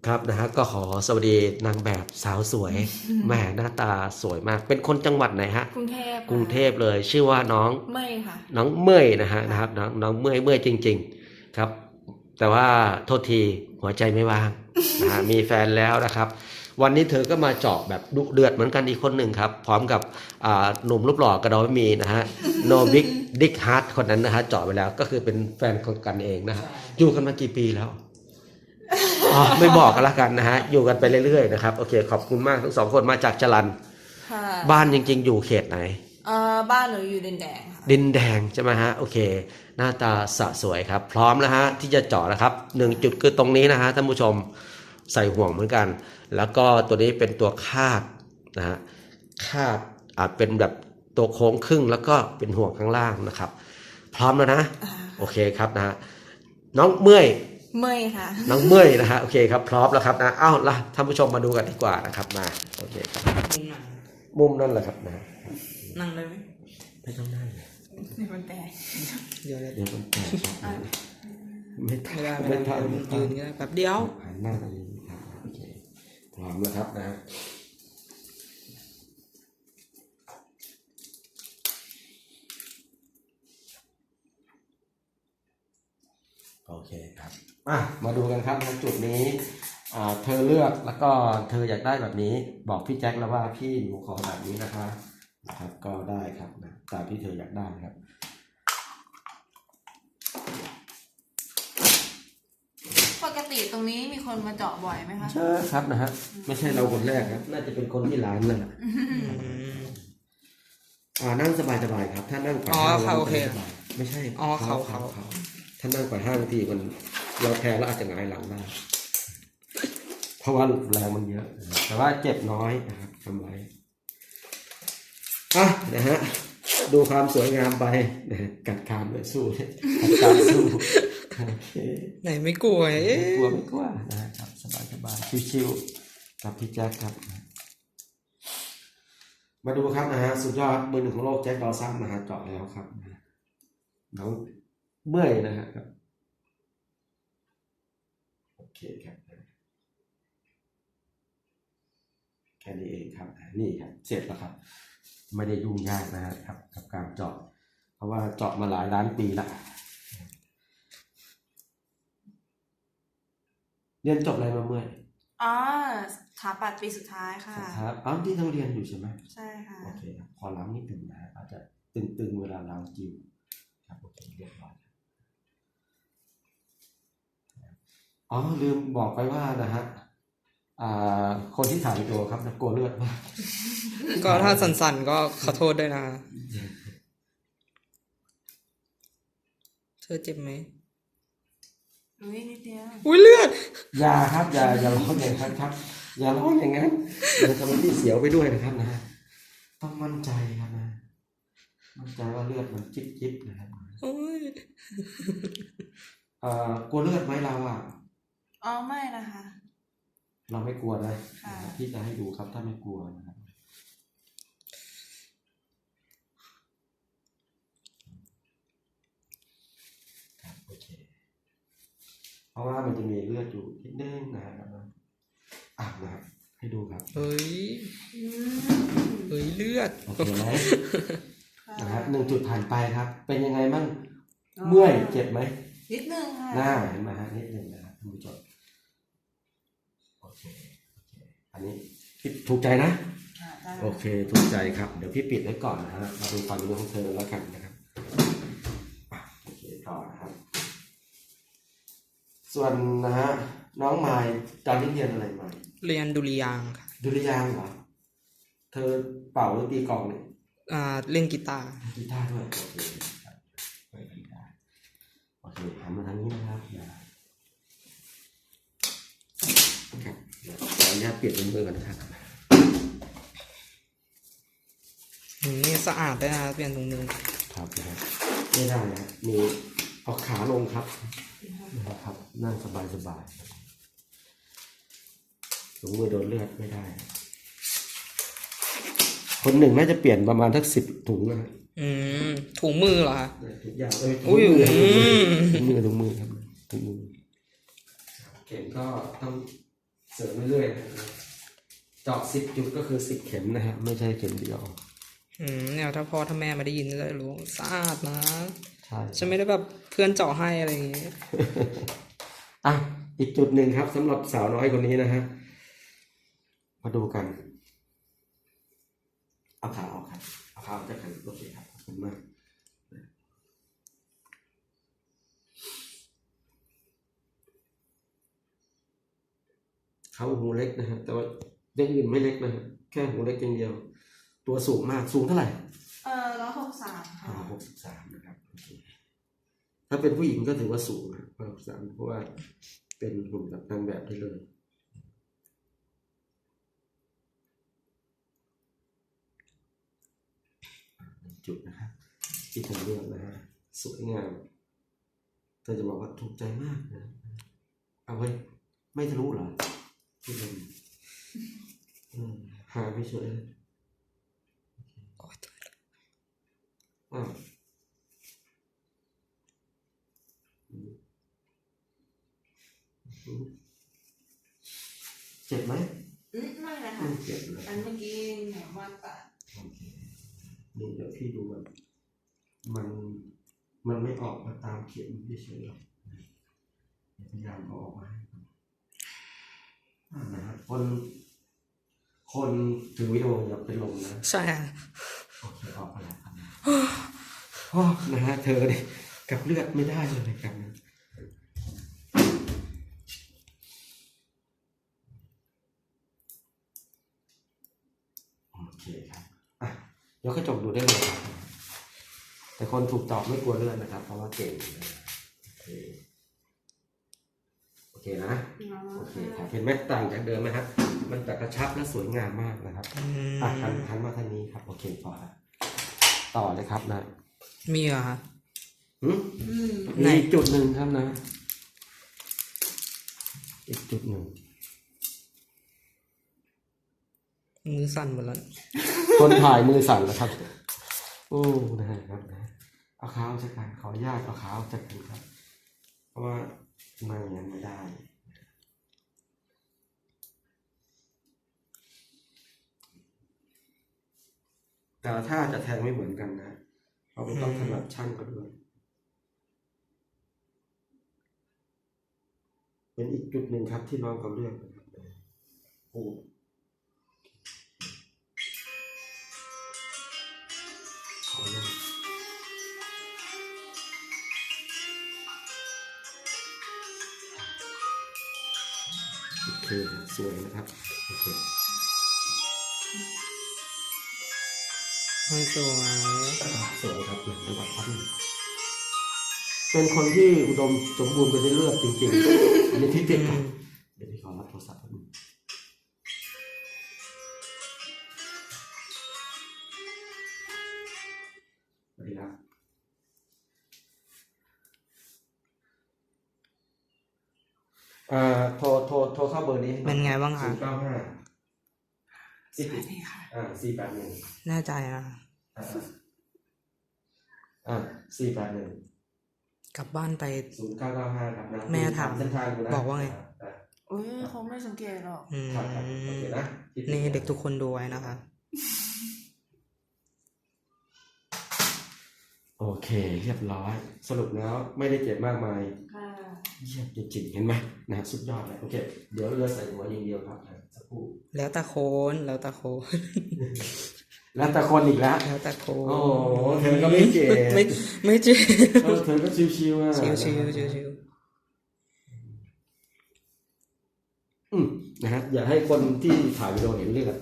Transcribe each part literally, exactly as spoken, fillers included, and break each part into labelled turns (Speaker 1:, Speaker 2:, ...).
Speaker 1: ครับนะฮะก็ขอสวัสดีนางแบบสาวสวยแหมหน้าตาสวยมากเป็นคนจังหวัดไหนฮะ
Speaker 2: กรุงเทพ
Speaker 1: กรุงเทพเลยชื่อว่าน้อง
Speaker 2: เมยค่ะ
Speaker 1: น้องเมยนะฮะนะครับน้องน้องเมยเมยจริงๆครับแต่ว่าโทษทีหัวใจไม่ว่างนะฮะมีแฟนแล้วนะครับวันนี้เธอก็มาเจาะแบบดุเดือดเหมือนกันอีกคนหนึ่งครับพร้อมกับหนุ่มรูปหล่อกระดอยมีนะฮะโนบิกดิกฮาร์ดคนนั้นนะฮะเจาะไปแล้วก็คือเป็นแฟนคนกันเองนะฮะอยู่กันมากี่ปีแล้วอ๋อไม่บอกกันละกันนะฮะอยู่กันไปเรื่อยๆนะครับโอเคขอบคุณมากทั้งสองคนมาจากจรัญบ้านจริงๆอยู่เขตไหน
Speaker 2: เอ่อบ้านหนูอยู่ดินแดงค่ะ
Speaker 1: ดินแดงใช่ไหมฮะโอเคหน้าตาสะสวยครับพร้อมแล้วฮะที่จะเจาะนะครับหนึ่งจุดคือตรงนี้นะฮะท่านผู้ชมใส่ห่วงเหมือนกันแล้วก็ตัวนี้เป็นตัวคาดนะฮะคาดอาจเป็นแบบตัวโค้งครึ่งแล้วก็เป็นห่วงข้างล่างนะครับพร้อมแล้วนะโอเคครับนะฮะน้องเมื่อย
Speaker 2: เมยค่ะ
Speaker 1: น้องเมื่อยนะฮะโอเคครับพร้อมแล้วครับนะอ้าวล่ะท่านผู้ชมมาดูกันดีกว่านะครับมาโอเคครับ
Speaker 3: มุมไหน
Speaker 1: มุมนั่นแหละครับนะ
Speaker 3: นั่งได้ไหม
Speaker 1: ไม่ต้องนั่ง
Speaker 2: นี่มันแตก
Speaker 3: เดี๋ยว
Speaker 1: เดี๋ยวมันแตกไม่
Speaker 3: ไม่ได้ไม่ได้ยืนก็ได้แป๊บเดียว
Speaker 1: หันหน้าตรงนี้ครับโอเคพร้อมแล้วครับนะโอเคครับอ่ะมาดูกันครับในจุดนี้อ่าเธอเลือกแล้วก็เธออยากได้แบบนี้บอกพี่แจ็คแล้วว่าพี่หนูขอแบบนี้นะคะนะครับก็ได้ครับนะตามที่เธออยากได้ครับ
Speaker 2: ปกติตรงนี้มีคนมาเจาะบ่อยไหมคะ
Speaker 1: ใช่ครับนะฮะไม่ใช่เราคนแรกครับน่าจะเป็นคนที่ร้านนั่นแหละอ่านั่งสบายๆครับถ้านั่งกว่าห้าง
Speaker 3: โอเค
Speaker 1: ไม่ใช่
Speaker 3: อ๋อเขาเขา
Speaker 1: ถ้านั่งกว่าห้างทีมันเราแพ้แล้วอาจจะหงายหลังได้เพราะว่าแรงมันเยอะแต่ว่าเจ็บน้อยนะครับทำไรอ่ะนะฮะดูความสวยงามไปนะกัดคามเลยสู้กัดคามสู้โอเค
Speaker 3: ไหนไม่กลัวเอ๊ะ
Speaker 1: กลัวไม่กลัวนะครับสบายสบายชิวๆกับพี่แจ็คครับมาดูครับนะฮะสุดยอดมือหนึ่งของโลกแจ็คดอสันนะฮะเจาะแล้วครับน้องเมื่อยนะฮะครับโอเคครับแค่นี้เองครับนี่ครับเสร็จแล้วครับไม่ได้ยุ่งยากนะครับกับการเจาะเพราะว่าเจาะมาหลายล้านปีแล้วเรียนจบอะไรมาเมื่อย
Speaker 2: อ๋อสถาปัตย์ปีสุดท้ายค่ะ
Speaker 1: ครับอ๋อที่เราเรียนอยู่ใช่ไหม
Speaker 2: ใช่ค่ะ
Speaker 1: โอเคครับขอล้างนิดหนึ่งนะอาจจะตึงๆเวลาล้างจิ้วครับโอเคเรียบร้อยอ๋อลืมบอกไปว่านะฮะอ่าคนที่ถ่ายวิดีโอครับกลัวเลือดมาก
Speaker 3: ก็ถ้าสั่นๆก็ขอโทษด้วยนะเธอเจ็บไหม
Speaker 2: อุ้ยนิดเดียว
Speaker 3: อุ้ยเลือด
Speaker 1: อย่าครับอย่าอย่าร้องอย่างนั้นครับอย่าร้องอย่างนั้นเดี๋ยวทำให้พี่เสียวไปด้วยนะครับนะต้องมั่นใจครับนะมั่นใจว่าเลือดมันจิ๊บจิ๊บนะครับ
Speaker 3: โอ้ย
Speaker 1: เอ่อกลัวเลือดไหมเราอ่ะ
Speaker 2: อ๋อไม่นะคะ
Speaker 1: เราไม่กลัวนะที่จะให้ดูครับถ้าไม่กลัวนะครับโอเคเพราะว่ามันจะมีเลือดอยู่นิดนึงนะครับอ่ะนะครับให้ดูครับ
Speaker 3: เฮ้ยเฮ้ยเลือด
Speaker 1: โอเคไหมนะครับหนึ่งจุดผ่านไปครับเป็นยังไงบ้างเมื่อยเจ็บไหม
Speaker 2: นิดนึงค่ะ
Speaker 1: หน้าเห็นไหมฮะนิดนึงนะครับท่านผู้ชมโอเคอันนี้ถูกใจนะโอเคถูกใจครับเดี๋ยวพี่ปิดไว้ก่อนนะฮะมาดูความรู้ของเธอแล้วกันนะครับโอเคต่อนะครับส่วนนะฮะน้องไมล์ตอนนี้เรียนอะไรมา
Speaker 3: เรียนดุริยางค์ค่ะ
Speaker 1: ดุริยางค์เหรอเธอเป่าหรือตีกลองเนี่ย
Speaker 3: อ่าเล่นกีตาร์
Speaker 1: กีตาร์ด้วยโอเคเล่นกีตาร์โอเคหันมาทางนี้นะครับครับเดี๋ยวขออนุญาตเปลี่ยนเป็นมือก่อนนะครับ
Speaker 3: นี่สะอาดได้นะเปลี่ยนตรงมือ
Speaker 1: ครับนะครับไม่ได้นะมีเอาขาลงครับนะครับนั่งสบายสบายถุงมือโดนเลือดไม่ได้คนหนึ่งน่าจะเปลี่ยนประมาณทักสิบถุงนะ
Speaker 3: อืมถุงมือเหรอคะ
Speaker 1: ทุกอย่างเลยถุงมือถุงมือถุงมือครับถุงมือเก่งก็ต้องเสริมเรื่อยๆนะครับเจาะสิบจุดก็คือสิบเข็มนะฮะไม่ใช่เข็มเดียว
Speaker 3: อืมเนี่ยถ้าพ่อถ้าแม่ไม่ได้ยินจะได้รู้สะอาดนะ
Speaker 1: ใช่
Speaker 3: ฉันไม่ได้แบบเพื่อนเจาะให้อะไรอย่างงี้
Speaker 1: อ่ะอีกจุดหนึ่งครับสำหรับสาวน้อยคนนี้นะฮะมาดูกันเอาขาออกครับเอาขาออกจากกันโอเคครับขอบคุณมากเขาหูเล็กนะฮะแต่ว่าเรื่องอื่นไม่เล็กนะฮะแค่หูเล็กอย่างเดียว ตัวสูงมากสูงเท่าไหร่
Speaker 2: เออร้อยหกสาม
Speaker 1: อ่า
Speaker 2: ค่ะ
Speaker 1: หกสิบสามนะครับโอเคถ้าเป็นผู้หญิงก็ถือว่าสูงนะหกสิบสามเพราะว่าเป็นหุ่นแบบนางแบบได้เลยจุดนะครับที่เธอเลือกนะฮะสวยงามเธอจะบอกว่าถูกใจมากนะเอาไว้ไม่ทะลุเหรอที่เป็นอืมหาไม่เฉยอ้าวเจ็บไหม
Speaker 2: อืมไม่เลย
Speaker 1: ไม่
Speaker 2: ค่ะ
Speaker 1: เจ็บเลย
Speaker 2: อันเมื่อกี้แหนมว่าตัด
Speaker 1: โอเคนี่เดี๋ยวพี่ดูมันมัน มันไม่ออกมาตามเข็มเฉยๆหรอกพยายามเอาออกมาให้อ่านะฮะคน คนถือวิดีโออย่าเป็นลมนะ
Speaker 3: ใช่อะ
Speaker 1: โอเคออกมาแล้วครับโอ้นะฮะเธอเนี่ยกับเลือดไม่ได้เลยครับนะโอเคครับอ่ะยกกระจกดูได้เลยครับแต่คนถูกตอบไม่กลัวเลือดนะครับ เพราะว่าเก่งนะโอเคโอเคนะโอเคครับเห็นไหมต่างจากเดิมไหมฮะมันจะกระชับและสวยงามมากนะครับ
Speaker 3: อืม
Speaker 1: อ่ะหันหันมาทางนี้ครับโอเคต่อละต่อเลยครับนะ
Speaker 3: มีเหรอฮะ
Speaker 1: หืม
Speaker 2: อืม
Speaker 3: ไหน
Speaker 1: มีอีกจุดหนึ่งครับนะ อีกจุดหนึ่ง
Speaker 3: มือสั่นหมดแล้ว
Speaker 1: คนถ่ายมือสั่นแล้วครับ โอ้นะฮะครับนะเอาขาออกจากกันขออนุญาตเอาขาออกจากกันครับ เพราะว่าไม่อย่างนั้นไม่ได้ แต่ละท่าจะแทงไม่เหมือนกันนะเราก็ต้องถนัดช่างก็ด้วย เป็นอีกจุดหนึ่งครับที่น้องเขาเลือกนะครับโอ้ขออนุญาตโอเคสวยนะครับโอเค
Speaker 3: มันสวย
Speaker 1: สวยครับหลังจังหวัดพัทลุงเป็นคนที่อุดมสมบูรณ์ไปด้วยเลือดจริงๆ อันนี้ที่ติดกันเดี๋ยวพี่ขอรับโทรศัพท์แป๊บนึงสวัสดีครับเอ่อโทรโทรโทรเข้าเบอร์นี้
Speaker 3: เป็นไงบ้าง
Speaker 1: ศู
Speaker 3: คะ
Speaker 1: นย์เก้าห้า
Speaker 2: สวัสดีค่ะ
Speaker 1: อ่าสี่แปดหนึ่ง
Speaker 3: แน่ใจนะ
Speaker 1: อ่าอ่าสี่แปดหนึ่ง
Speaker 3: กลับบ้านไป
Speaker 1: ศูนย์เก้าเก้าห้าครับนะ
Speaker 3: แม่ถาม
Speaker 1: เส้นทางดูนะ
Speaker 3: บอกว่าไง
Speaker 1: อ่า
Speaker 2: โอ้ยเขาไม่สังเกตหรอก
Speaker 3: อืม
Speaker 1: ครับครับโอเคนะ
Speaker 3: นี่เด็กทุกคนดูไว้นะคะ
Speaker 1: โอเคเรียบร้อย สรุปแล้วไม่ได้เจ็บมากมาย
Speaker 2: ค่ะ
Speaker 1: เยี่ยมจริงๆเห็นไหมนะฮะสุดยอดเลยโอเค เดี๋ยวเรือใส่หัวอย่างเดียวครับสักครู่
Speaker 3: แล้วแต่โคน แล้วแต่โคน
Speaker 1: แล้วแต่คนอีกแล้ว
Speaker 3: แล้วแต่โคน
Speaker 1: โอ้โหเธอก็ไม่เจ็บ
Speaker 3: ไม่ไม่เจ็บ
Speaker 1: เออเธอก็ชิวๆอ่ะ
Speaker 3: ชิวชิวชิวชิว
Speaker 1: อืมนะฮะอย่าให้คนที่ถ่ายวิดีโอเห็นเลือด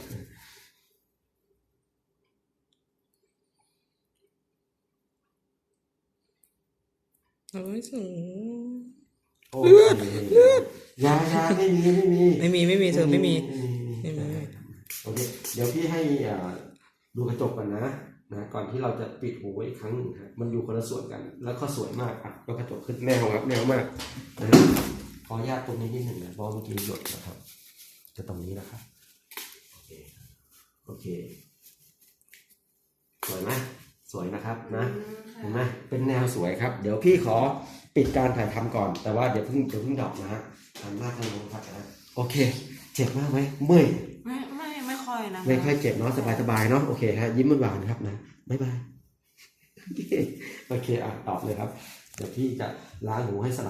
Speaker 3: โอ้ยสูง
Speaker 1: เลือดเลือดยายาไม่มีไม่มี
Speaker 3: ไม่มีไม่มีเธอไม่มี
Speaker 1: ไม่มี
Speaker 3: ไม่มี
Speaker 1: โอเคเดี๋ยวพี่ให้อ่าดูกระจกก่อนนะนะก่อนที่เราจะปิดหูไว้อีกครั้งหนึ่งครับมันอยู่คนละส่วนกัน แล้วก็สวยมากอ่ะยกกระจกขึ้นแนวครับแนวมากนะขออนุญาตตรงนี้นิดหนึ่งนะเพราะเมื่อกี้หยดนะครับจะตรงนี้นะครับโอเคโอเคสวยไหมสวยนะครับนะเห็นไหมเป็นแนวสวยครับ เดี๋ยวพี่ขอปิดการถ่ายทำก่อน แต่ว่าเดี๋ยวเพิ่งเดี๋ยวเพิ่งดอกนะฮะทำหน้าทางลงครับนะโอเคเจ็บมากไหมเมื่อย
Speaker 2: ไม่ไม่ไม่ค่อยนะ
Speaker 1: ไม่ค่อยเจ็บเนาะสบายๆเนาะโอเคครับยิ้มหวานๆครับนะบ๊ายบายโอเคโอเคอ่ะตอบเลยครับเดี๋ยวพี่จะล้างหูให้สลับ